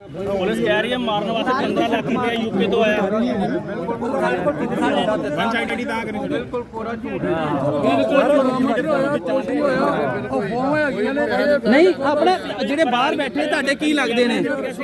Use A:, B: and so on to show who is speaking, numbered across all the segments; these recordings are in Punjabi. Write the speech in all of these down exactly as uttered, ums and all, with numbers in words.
A: पुलिस कह रही है मारने वास्ते पंद्रह लाख रुपया यूपी तो आया वन साइडेड ही था बिल्कुल पूरा झूठ
B: नहीं अपने ਜਿਹੜੇ ਬਾਹਰ ਬੈਠੇ ਤੁਹਾਡੇ ਕੀ ਲੱਗਦੇ ਨੇ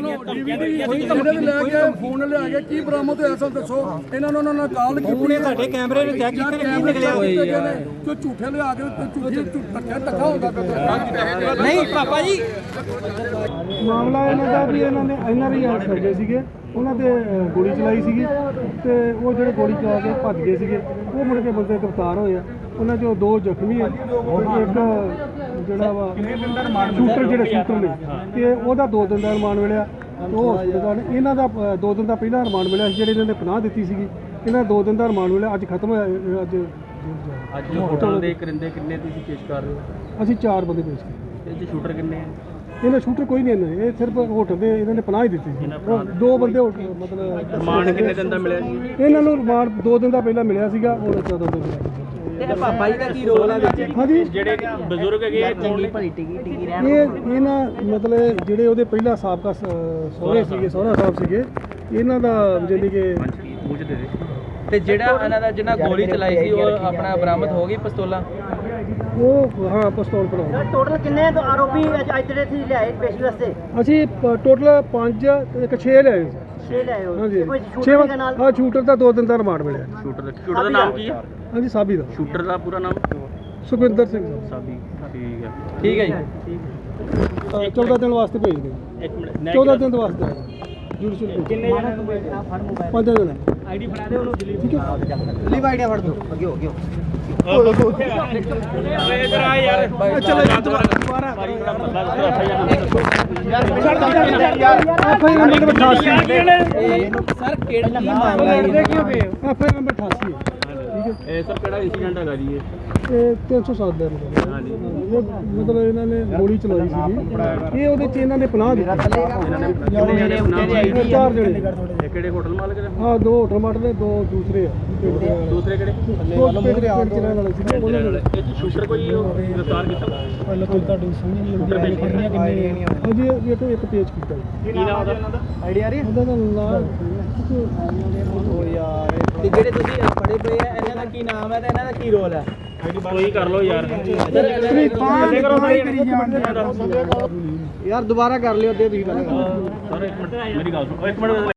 C: ਫੋਨ ਲਿਆ ਕੇ ਕੀ ਬਰਾਮਦ ਹੋਇਆ ਸਭ ਦੱਸੋ ਇਹਨਾਂ ਨੂੰ ਉਹਨਾਂ ਨਾਲ ਕਾਲ ਕੀਤੀ
B: ਤੁਹਾਡੇ ਕੈਮਰੇ ਵਿੱਚ ਚੈੱਕ ਕੀਤੇ ਕੀ ਨਿਕਲਿਆ
C: ਕੋਈ ਝੂਠੇ ਲਿਆ ਕੇ ਝੂਠੀ ਧੱਕਾ ਧੱਕਾ ਹੁੰਦਾ
B: ਨਹੀਂ ਪਾਪਾ ਜੀ
C: ਮਾਮਲਾ ਇਹਨਾਂ ਦਾ ਵੀ ਇਹਨਾਂ ਨੇ ਐਨਆਰਆਈ ਸਰਜੇ ਸੀਗੇ ਉਹਨਾਂ ਤੇ ਗੋਲੀ ਚਲਾਈ ਸੀਗੀ ਤੇ ਉਹ ਜਿਹੜੇ ਗੋਲੀ ਚਲਾ ਕੇ ਭੱਜ ਗਏ ਸੀਗੇ ਉਹ ਮੁੜ ਕੇ ਬੰਦੇ ਗ੍ਰਿਫਤਾਰ ਹੋਏ ਆ ਉਹਨਾਂ ਚੋਂ ਦੋ ਜ਼ਖਮੀ ਆ ਇੱਕ ਜਿਹੜਾ ਵਾ ਸ਼ੂਟਰ ਜਿਹੜੇ ਸ਼ੂਟਰ ਨੇ ਤੇ ਉਹਦਾ ਦੋ ਦਿਨ ਦਾ ਰਿਮਾਂਡ ਮਿਲਿਆ ਉਹ ਹਸਪਤਾਲ ਇਹਨਾਂ ਦਾ ਦੋ ਦਿਨ ਦਾ ਪਹਿਲਾਂ ਰਿਮਾਂਡ ਮਿਲਿਆ ਜਿਹੜੇ ਇਹਨਾਂ ਨੇ ਪਨਾਹ ਦਿੱਤੀ ਸੀਗੀ ਇਹਨਾਂ ਦੋ ਦਿਨ ਦਾ ਰਿਮਾਂਡ ਮਿਲਿਆ ਅੱਜ ਖਤਮ ਹੋਇਆ ਅੱਜ
A: ਅੱਜ ਹੋਟਲ ਦੇ ਕਰਿੰਦੇ ਕਿੰਨੇ ਤੁਸੀਂ ਪੇਸ਼ ਕਰ ਰਹੇ ਹੋ
C: ਅਸੀਂ ਚਾਰ ਬੰਦੇ ਪੇਸ਼ ਕੀਤੇ
A: ਇਹ ਜੀ ਸ਼ੂਟਰ ਕਿੰਨੇ ਆ
C: ਇਹਨਾਂ ਸ਼ੂਟਰ ਕੋਈ ਨਹੀਂ ਇਹਨਾਂ ਇਹ ਸਿਰਫ ਹੋਟਲ ਦੇ ਇਹਨਾਂ ਨੇ ਪਨਾਹ ਹੀ ਦਿੱਤੀ ਸੀ ਦੋ ਬੰਦੇ ਮਤਲਬ
A: ਰਿਮਾਂਡ ਕਿੰਨੇ ਦਿਨ ਦਾ ਮਿਲਿਆ ਜੀ
C: ਇਹਨਾਂ ਨੂੰ ਰਿਮਾਂਡ ਦੋ ਦਿਨ ਦਾ ਪਹਿਲਾਂ ਮਿਲਿਆ ਸੀਗਾ ਹੁਣ ਚੌਦਾਂ ਦਿਨ ਮਿਲਿਆ
B: ਤੇ ਪਾਪਾ ਜੀ ਦਾ ਕੀ ਰੋਲ ਹੈ ਵਿੱਚ
C: ਹਾਂਜੀ
A: ਜਿਹੜੇ ਬਜ਼ੁਰਗ ਹੈਗੇ
B: ਚੰਗੀ ਭਲੀ ਟਿਕੀ ਟਿਕੀ ਰਹਿਣ
C: ਇਹ ਇਹਨਾਂ ਮਤਲਬ ਜਿਹੜੇ ਉਹਦੇ ਪਹਿਲਾਂ ਸਾਬਕਾ ਸਹੁਰੇ ਸੀਗੇ ਸਹੁਰਾ ਸਾਹਿਬ ਸੀਗੇ ਇਹਨਾਂ ਦਾ ਜਾਨੀ ਕਿ
A: ਮੂੰਹ ਚ ਦੇ ਦੇ
B: ਤੇ ਜਿਹੜਾ ਇਹਨਾਂ ਦਾ ਜਿਹਨਾਂ ਗੋਲੀ ਚਲਾਈ ਸੀ ਉਹ ਆਪਣਾ ਬਰਾਮਦ ਹੋ ਗਈ ਪਿਸਤੌਲਾਂ
C: ਉਹ ਹਾਂ ਪਿਸਤੌਲ ਪੜਾ
D: ਟੋਟਲ ਕਿੰਨੇ ਆਰੋਪੀ ਅੱਜ ਦੇ ਸੀ ਲਿਆਏ ਪੇਸ਼ੀ ਵਾਸਤੇ
C: ਅਸੀਂ ਟੋਟਲ ਪੰਜ ਇੱਕ ਛੇ ਲਿਆਏ ਸੀ
D: ਛੇ ਲਿਆਏ ਹੋ
C: ਹਾਂਜੀ
D: ਕੋਈ
C: ਛੇ
D: ਸ਼ੂਟਿੰਗ ਦੇ ਨਾਲ
C: ਹਾਂ ਸ਼ੂਟਰ ਦਾ ਦੋ ਦਿਨ ਦਾ ਰਿਮਾਂਡ ਮਿਲਿਆ
A: ਸ਼ੂਟਰ ਦਾ ਸ਼ੂਟਰ ਦਾ ਨਾਮ ਕੀ ਹੈ
C: ਹਾਂਜੀ ਸਾਬੀ ਦਾ
A: ਸ਼ੂਟਰ ਦਾ ਪੂਰਾ ਨਾਮ
C: ਸੁਖਵਿੰਦਰ ਸਿੰਘ
A: ਸਾਬੀ ਠੀਕ ਹੈ
B: ਠੀਕ ਹੈ ਜੀ
C: ਚੌਦਾਂ ਦਿਨ ਵਾਸਤੇ ਭੇਜ ਦਿਓ
A: ਇੱਕ ਮਿੰਟ
C: ਚੌਦਾਂ ਦਿਨ ਵਾਸਤੇ ਜੁਡੀਸ਼ੀਅਲ
D: ਕਿੰਨੇ ਜਣੇ ਨੂੰ ਬੈਠਾ ਫੜ ਮੋਬਾਈਲ
C: ਪੰਜ ਦਿਨ
D: ਆਈਡੀ ਫੜਾ ਦੇ ਉਹਨੂੰ ਦਿੱਲੀ
C: ਠੀਕ ਹੈ
D: ਲੀਵ ਆਈਡੀ ਫੜ ਦੋ ਅੱਗੇ ਹੋ ਗਿਆ
A: ਇਧਰ ਆ ਯਾਰ
C: ਚਲੋ ਦੁਬਾਰਾ
D: ਯਾਰ
C: ਨੰਬਰ ਅਠਾਸੀ
B: ਸਰ ਕਿਹੜਾ ਕੀ ਮਾਮਲਾ ਹੈ
C: ਐਫਆਈ ਨੰਬਰ ਅਠਾਸੀ ਹੈ
A: ਇਹ ਸਰ ਕਿਹੜਾ ਇਨਸੀਡੈਂਟ ਹੈਗਾ ਜੀ ਇਹ
C: ਇਹ ਤਿੰਨ ਸੌ ਸੱਤ ਦਾ ਮਤਲਬ
A: ਹਾਂਜੀ
C: ਇਹ ਮਤਲਬ ਇਹਨਾਂ ਨੇ ਗੋਲੀ ਚਲਾਈ ਸੀਗੀ ਇਹ ਉਹਦੇ ਚ ਇਹਨਾਂ ਨੇ ਪਨਾਹ ਦਿੱਤੀ
A: ਇਹਨਾਂ ਨੇ ਕਿੰਨੇ ਜਣੇ ਉਹਨਾਂ ਦੀ ਆਈਡੀ
C: ਚਾਰ ਜਣੇ
A: ਇਹ ਕਿਹੜੇ ਹੋਟਲ ਮਾਲਕ ਨੇ
C: ਹਾਂ ਦੋ ਹੋਟਲ ਮਾਟਰ ਨੇ ਦੋ ਦੂਸਰੇ ਆ
A: ਦੂਸਰੇ ਕਿਹੜੇ
C: ਦੋ ਪਿੰਡ ਦੇ ਆਪ ਚਲਾਉਣ ਵਾਲੇ ਸੀ ਉਹਨਾਂ ਨੇ
A: ਇਹ ਚ ਸ਼ੂਟਰ ਕੋਈ ਗ੍ਰਿਫਤਾਰ ਕੀਤਾ
C: ਪਹਿਲਾਂ ਤੋਂ ਤੁਹਾਡੀ ਸਮਝ ਨਹੀਂ ਆਉਂਦੀ ਕਿੰਨੀਆਂ ਕਿੰਨੀਆਂ ਹਾਂਜੀ ਇਹ ਇੱਕ ਇੱਕ ਪੇਜ ਕੀਤਾ ਜੀ
A: ਕੀ ਨਾਮ ਉਹਦਾ
D: ਆਈਡੀ ਆ ਰਹੀ ਹੈ
C: ਉਹਦਾ ਨਾਮ
D: ਓ ਯਾਰ
B: ਤੇ ਜਿਹੜੇ ਤੁਸੀਂ ਫੜੇ ਪਏ ਆ ਇਹਨਾਂ ਦਾ ਕੀ ਨਾਮ ਹੈ ਤੇ ਇਹਨਾਂ ਦਾ ਕੀ ਰੋਲ ਹੈ
A: ਕੋਈ ਕਰ ਲਓ ਯਾਰ
C: ਯਾਰ ਦੁਬਾਰਾ ਕਰ ਲਿਓ ਅੱਧੇ ਤੁਸੀਂ ਪਹਿਲਾਂ
A: ਸਰ ਇੱਕ ਮਿੰਟ ਮੇਰੀ ਗੱਲ ਸੁਣੋ ਇੱਕ ਮਿੰਟ